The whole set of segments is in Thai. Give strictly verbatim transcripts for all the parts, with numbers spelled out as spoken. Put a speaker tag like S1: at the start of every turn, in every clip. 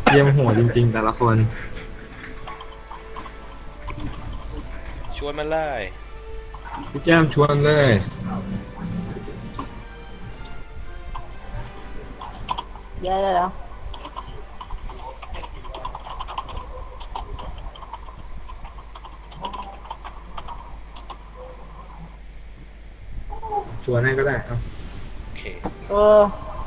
S1: เยี่ยมโหดจริงๆแต่ละคน
S2: ชวนมันเลย
S1: พี่แก้มชวนเลย
S3: เดี๋ยวเดี๋ยว
S1: ชวนให้ก็ได้ครับ
S2: โอเค
S3: เออ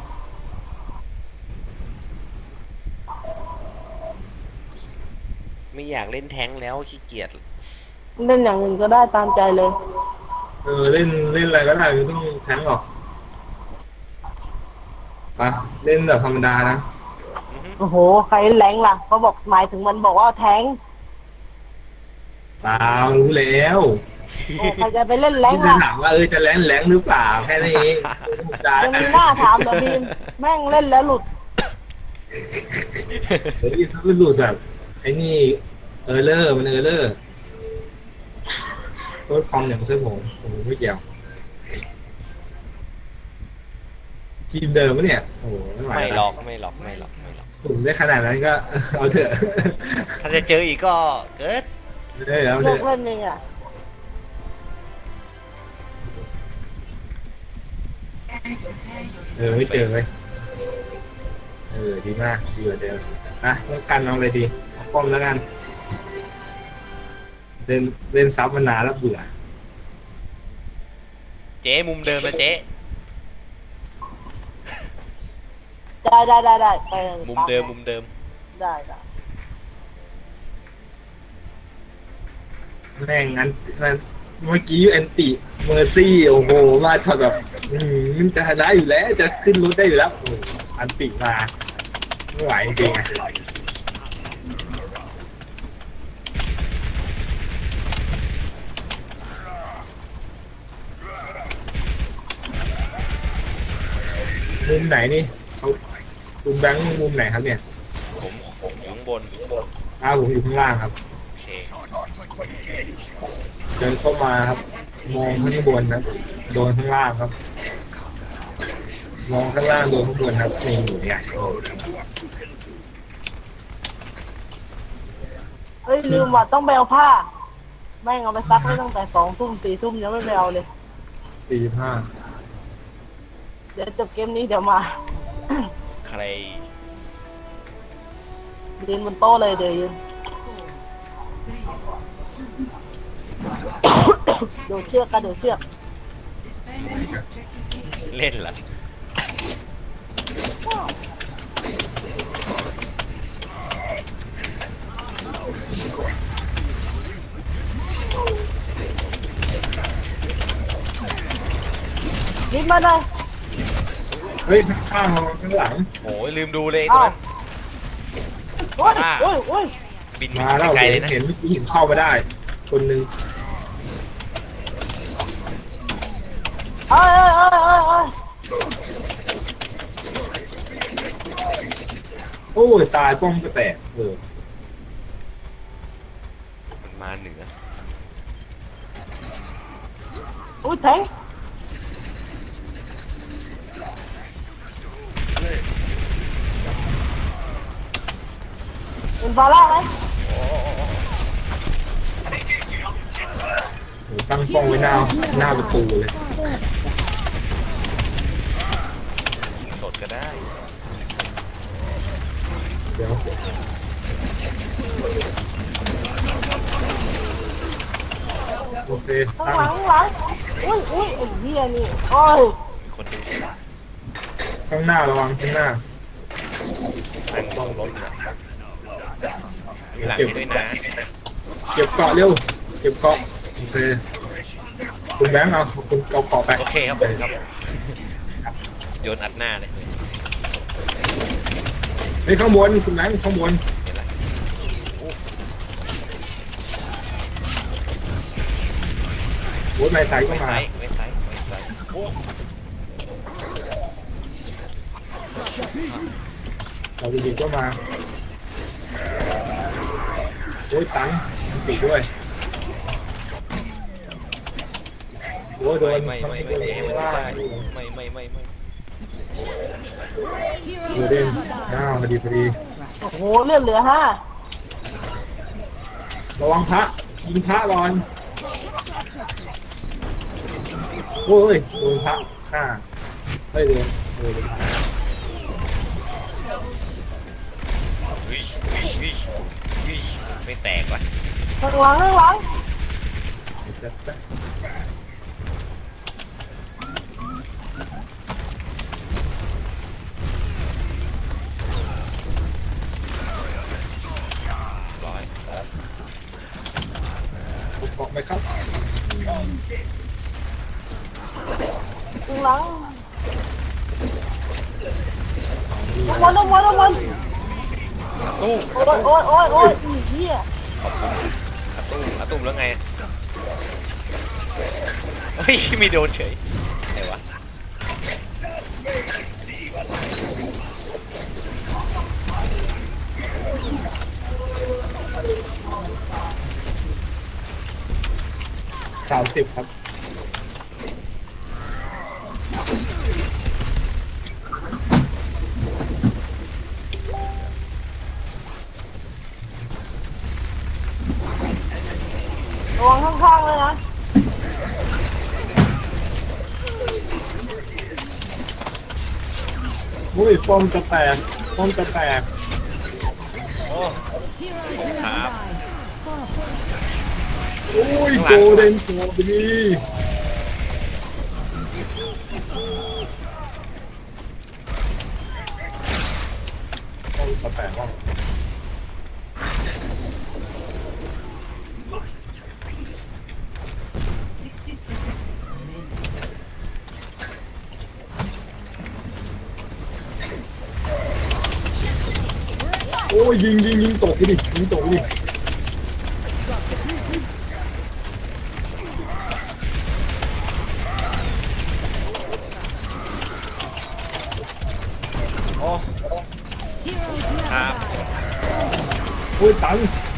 S2: ไม่อยากเล่นแท้งแล้วขี้เกียจ
S3: เล่นอย่างอื่นก็ได้ตามใจเลย
S1: เออเล่นเล่นอะไรก็ได้ไม่ต้องแทงหรอกไปเล่นแบบธรรมดานะ
S3: โอ้โหใครแรงล่ะเขาบอกหมายถึงมันบอกว่าแทง
S1: เปล่ารู้แล้ว
S3: โอ้ใครจะไปเล่นแรง
S1: ที่จะ
S3: ล่ะ
S1: ถามว่าเออจะแรงแรงหรือเปล่าแค่นี้เองได้
S3: ยังมีหน้าถามเหรอบีมแม่งเล่นแล้วหลุด
S1: เฮ้ยถ้าเป็นหลุดแบบไอ้นี่เออร์เลอร์มันเออร์เลอร์โทษคอมอย่างเพื่อนผมผมไม่เกี่ยวทีมเดิมปะเนี่ยโอ้โหไม่ไหว
S2: ไม่หล
S1: แล้
S2: อ
S1: ว
S2: กไม่หลอกไม่หลอกไม่หลอก
S1: ผมได้ขนาดนั้นก็ เอาเถอะ
S2: ถ้าจะเจออีกก็เกิด
S1: เออเอาเถ
S3: เลิก
S1: อะ
S3: เล่นเองอ่ะ
S1: เออไม่เจอเลยเออดีมากดีกว่าเดิมนะต้องกันเอาอะไรดีเอาป้อมแล้วกันเล่นเล่นซับมานานแล้วเบื่อ
S2: เจ๊มุมเดิมนะเจ๊
S3: ได้ได้ได้ได้ไป
S2: มุมเดิมมุมเดิม
S3: ได้ได้
S1: แม่งงั้นงั้นเมื่อกี้แอนติเมอร์ซี่โอ้โหมาช็อตแบบอืมมันจะได้อยู่แล้วจะขึ้นรถได้อยู่แล้วโอ้โหอันติมาไม่ไหวจริงๆอะมุมไหนนี่เขามุมแบงค์มุมไหนครับเนี่ย
S2: ผมผมอยู่ข้างบน
S1: อ้าวผมอยู่ข้างล่างครับ
S2: โอเค
S1: เดินเข้ามาครับ มองข้างบนครับโดนข้างล่างครับ มองข้างล่างโดนข้างบนครับนี่อยู่เนี่ย
S3: เฮ้ยลืมว่าต้องไปเอาผ้าแม่งเอาไปซักไว้ตั้งแต่สองทุ่มสี่ทุ่มยังไม่ไปเอาเลย
S1: สี่สิบห้า
S3: เดี๋ยวจบเกมนี้เดี๋ยวมา
S2: ใคร
S3: ยืนบนโต๊ะเลยเดี๋ยวยืน โดดเชือกกระโดดเชือก
S2: เล่นเหรอ
S3: นิดมาเลย
S1: เฮ้ยข้างๆข้างหลัง
S2: โอ้ยลืมดูเลยตรงนั้น
S3: โอ้ยโอ้ยโอ้ย
S2: บิน
S1: มาแล้ว
S2: ไกล
S1: เห็
S2: ๆเลยนะ
S1: นเห็นเมื่อกี้เห็นเข้ามาได้ คนหนึ่ง
S3: เอ้ยเอ้ยเอ้ยเอ้ยเอ้ย
S1: โอ้ยตายป้อมก็แตกเออ
S2: มันมาเหนือ
S3: โอ้ยแทงเป็นฟาร่าไหม
S1: โหตั้งป้องไว้หน้าหน้าประตูเลย
S2: ยิงสดก็ได้
S1: เดี๋ยวโอเค
S3: ข้าง
S1: ตั้ง
S3: หลังข้างหลังอุ้ยอุ้ยไอ้เหี้ยนี่โอ้ย
S2: มีคนดู
S1: ข้างหน้าระวังข้างหน้า
S2: ตั้งต้องรถนะมีหลังให้ด้วยนะ
S1: เก็บเกาะเร็วเก็บเกาะโอเคคุณแบงค์เอาคุณเอาเกาะไป
S2: โอเคครับผมครับโยนอัดหน้าเลย
S1: เฮ้ยข้างบนคุณแบงค์ข้างบน
S2: เห็นละ
S1: โอ้ยนายสายก็
S2: ไม่
S1: มา
S2: ไซส์ไม่ไซส์ไม่ไซส์โอ้
S1: เราดีๆก็มาโอ้ยตังค์มันติดด้วยโอ้ยโดน
S2: ไม่ไม่ไม่ไม่ไม่ไม่ไม่ไม่ไม่ไม่
S1: โดนเด่นอ้าวพอดีพอดี
S3: โอ้โหเลือดเหลือห้า
S1: ระวังพระยิงพระก่อนโอ้ยโดนพระฆ่าเฮ้ยโดนโดนพระ
S2: เฮ้ยเฮ้ยเฮ้ยเฮ้ยไม่แตกว่ะ
S3: ข้างหลังข้างหลัง
S1: จะจะ
S2: ร้อย
S1: เกาะไหมครับ
S3: ข้างหลังลงมาลงมาลงมา
S2: ตู้
S3: โอ้ยโอ้ยโอ้ยโอ้ยอีเหี้ย
S2: อาตุ้มอาตุ้มแล้วไงเฮ้ยมีโดนเฉยไหนวะ
S1: สามสิบครับ
S3: ระวังข้างๆเลยนะ
S1: อุ้ยป้อมจะแตกป้อมจะแตก
S2: โอ้ครับ
S1: อุ้ยโกเด้นโกดีป้อมจะแตกว่ะโอ้ยยิงยิงยิงตกไปดิยิงตกไปดิ
S2: โอ้ครับ
S1: โอ้ยตังค์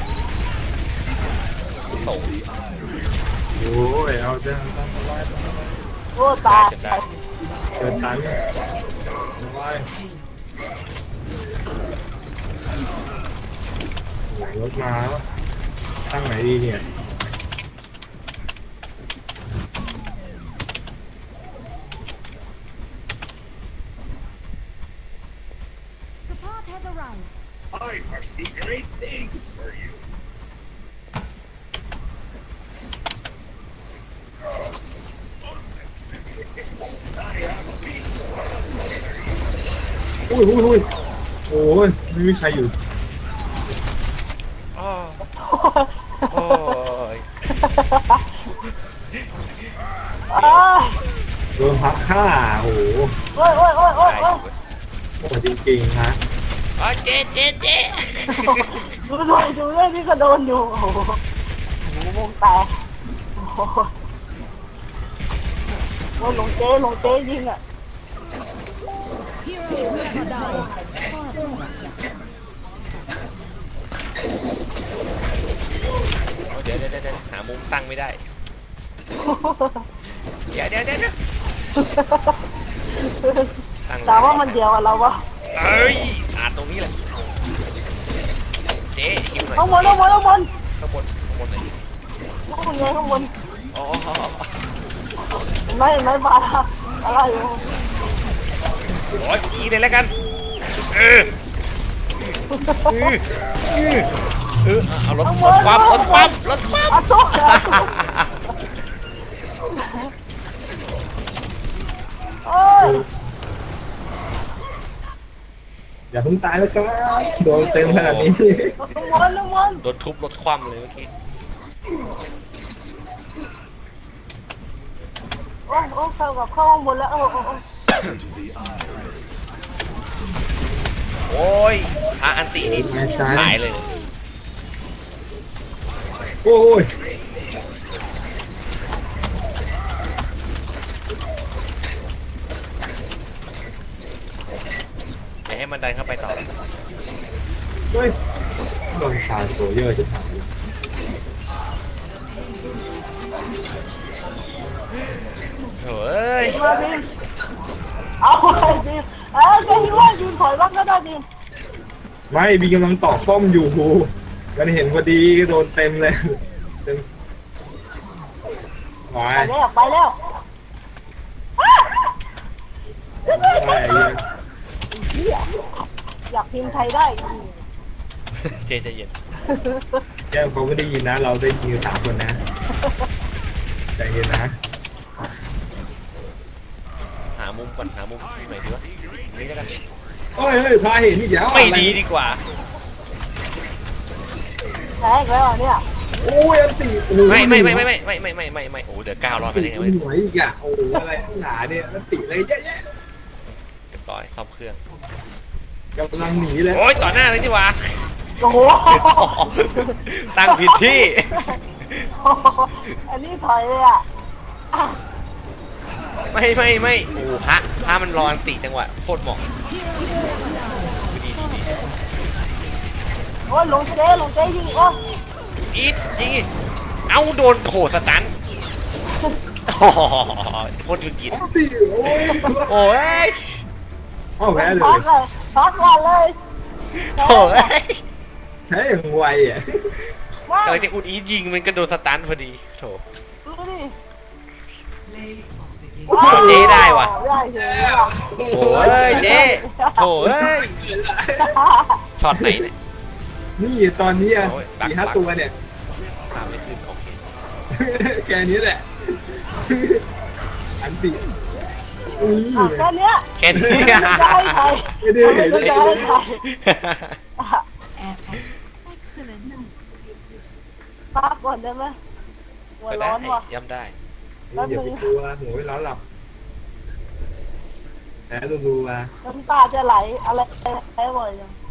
S2: ตก
S1: โอ้ยเอาเดินตังค์ไว้
S3: โอ้ตาย
S2: จนได้
S1: เดินตังค์ไว้โอ้ยรถมาแล้วตั้งไหนดีเนี่ย
S4: Support has arrived.
S1: อุ้ยอุ้ยอุ้ยโอ้ยไม่มีใครอยู่
S2: อ้อโอ้ย
S3: อ้าย
S1: โดนพักฆ่าโอ้โห
S3: โอ้ยโอ้ยโอ้ยโอ้ย
S2: ได้อ
S3: โอ้ย
S2: ยู่เว้ย
S1: โหจริงๆฮะ
S2: อ๋อเจ๊เจ๊เจ๊
S3: ดูด้วยดูด้วยนี่ก็โดนอยู่โอ้โหโอ้โหวงแตกโอ้โหโอ้ยหลงเจ๊หลงเจ๊ยิงอ่ะ
S4: Heroes never die.
S2: เดี๋ยวเดี๋ยวเดี๋ยวหามุมตั้งไม่ได้ เดี๋ยวเดี๋ยวเดี๋ยวเดี๋ยวตั้ง
S3: แต่ว่ามันเดียวอะเราวะ
S2: เอ้ยอ่านตรงนี้แหละเจ๊หิวหน่อย
S3: ข้างบนข้างบนข้างบน
S2: ข้างบนข้างบนไหน
S3: ข้างบนไงข้างบน
S2: อ๋อ
S3: เห็นไหมเห็นไหมบาร์อะไรอยู่
S2: โอ้ยอีเลยแล้วกันเออเออเออเออเอารถรถความรถความรถความ
S3: อาซุกอาซุกโอ้ย
S1: อย่าเพิ่งตายแล้วครับโดนเต็มขนาดนี้
S3: ข้างบนข้างบน
S2: โดนทุบรถคว่ำเลยเมื่อกี้
S3: โอ้โอ้เข้ากับเข้าข้างบนแล้วโอ้โอ้โอ้
S2: โอ้ยพระอันตินี่หายเลย
S1: โอ้ย
S2: อย่าให้มันดันเข้าไปต่อ
S1: เฮ้ยโดนชาโซเยอร์จะถาม
S2: เฮ้ย
S3: มาดิเอาไปดิเออแกคิดว่ายืนถอยบ้างก็ได้ดิ
S1: ไไม่บีกำลังต่อป้อมอยู่มันเห็นพอดีก็โดนเต็มเลยเต็มวา
S3: ไป
S1: ย
S3: แล้วไปแล้ว
S1: วาย
S3: เหี้ยอยากพิมพ์ไทยได้
S2: เจใจเย็น
S1: แก้วเขาไม่ได้ยินนะ เราได้ยินกันสามคนนะใจเย็นนะ
S2: หามุมก่อนหามุมไหนดีวะนี่แล้วกัน
S1: โอ้ยเฮ้ยพาเห็นอีกแล้ว
S2: ไม่ดีดีกว่า
S3: แพ้อีกแล้วเนี่ย
S1: โอ้ยอันตีโอ้ย
S2: ไม่ไม่ไม่ไม่ไม่ไม่ไม่ไม่ไม่ไม่โอ้เดี๋ยวก้าวรอดไปได้ไงวะ
S1: หน่วยอีกอ่ะโอ้โหอะไรหนาเนี่ยอันตีเลยเยอะแยะ
S2: เรียบร้อยซ่อมเครื่อง
S1: กำลังหนีเลย
S2: โอ้ยต่อหน้าเลยดีกว่า
S3: โอ้โห
S2: ตั้งผิดที่
S3: อันนี้ถอยเลยอ่ะ
S2: ไม่ไม่ไม่โอ้พระพระมันรออันติจังหวะโคตรเหมาะดีดีดี
S3: โอ้ยลงเจ๊ลงเจ๊ยิงโอ้
S2: อีทยิงอีกเอ้าโดนโหสตันโอ้โหโคตรยุกิน
S1: อันตีโอ้ย
S2: โอ้ย
S1: อ้าวแพ้เล
S3: ช็อย ตเลยช็อตก่อนเลย
S2: โอ้ย
S1: แพ้อย่างไวอ่ะ
S3: ว้าว
S2: กำลังจะอุดอีทยิงมันก็โดนสตันพอดีโถ
S3: ดูดิ
S2: เจ๊ได้ว่ะ
S3: ได้เฉยว่ะ
S2: โอ้ยเจ๊โถ่เอ้ยช็อตไหนเนี่ย
S1: นี่ตอนนี้อ่ะ
S2: โอ้ยบัก
S1: สี่ห้า
S2: บัก
S1: ตัวเนี่ย
S2: ตามไม่ขึ้นโอเค
S1: แค่นี้แหละ อันติอุ้ย
S3: อ่ะแค่เนี้ย
S2: แค่นี้
S3: ไม่ได้ใคร
S1: ไม่ได้เห็น
S3: ไม่
S1: เลย
S3: ได้ใคร
S4: Excellent.
S3: พักก่อนได้ไหมหัว
S2: ก็
S3: ร้
S2: ได้
S3: อนว่ะ
S2: ย้ำได้
S1: อย่าไปกลัวโหยล้อหลับแพ้รัวๆ
S3: น้ำตาจะไหลอะไรแพ้บ่อยจัง